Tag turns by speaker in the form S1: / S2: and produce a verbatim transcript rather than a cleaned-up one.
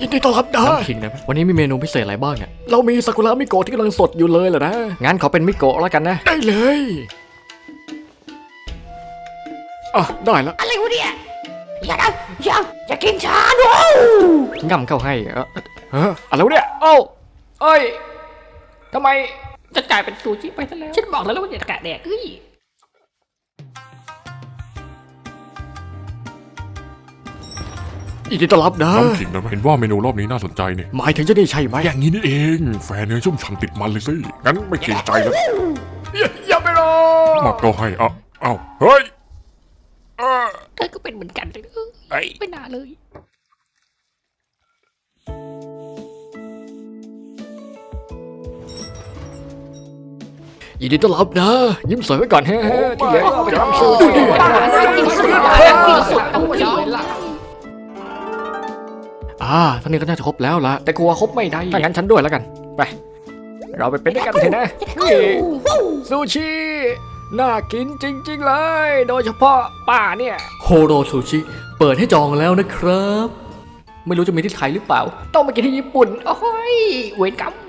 S1: ยินดีต้อนรับนะ
S2: น้ำขิงนะวันนี้มีเมนูพิเศษอะไรบ้างเนี่ย
S1: เรามีซากุระมิโกะที่กำลังสดอยู่เลยเหรอนะ
S2: งั้นขอเป็นมิโกะแล้วกันนะ
S1: ได้เลยอ่ะได้ละ
S3: อะไรวะเนี่ยอย่านะอย่าอย่ากินชาด้วย
S2: ง่ำเข้าให้เออ
S1: เอออะไรวะเนี่ย
S2: โอ้เอ้ยทำไม
S3: จะกลายเป็นซูชิไปซะแล้วฉันบอกแล้วว่าอย่าแกะแดกเฮ้ย
S1: ยินดีต้อนรับนะ
S4: น้ำขิงนะเห็นว่าเมนูรอบนี้น่าสนใจนี่
S1: หมายถึงจะนี่ใช่ไหม
S4: อย่างนี้นี่เองแฟนเนื้อชุ่มฉ่ำติดมันเลยสิงั้นไม่เกรงใจแล้ว
S1: อย่าอย่าไปรอ
S4: มาก็ให้อ่ะเอ้าเฮ้ยเออ
S3: เธอก็เป็นเหมือนกันเลยเออ
S4: ไอ้
S3: ไม่น่าเลย
S1: ยินดีต้อนรับนะ ยิ้มสวยไว้ก่อนเฮ้ที่เหลือก็เอาไปทำซูดูดิ
S3: กินสุดกินสุดเอาไว้เลยล่ะ
S1: อ่าท่านี้ก็น่าจะครบแล้วละ
S2: แต่กลัวครบไม่ได้ถ้างั้นฉันด้วยแล้วกันไปเราไปเป็นด้วยกันเถอะนะนี่ซูชิน่ากินจริงๆเลย โดยเฉพาะป้าเนี่ย
S1: โฮโรซูชิเปิดให้จองแล้วนะครับ
S2: ไม่รู้จะมีที่ไทยหรือเปล่า ต้องไปกินที่ญี่ปุ่น
S3: โอ้ยเวรกรรม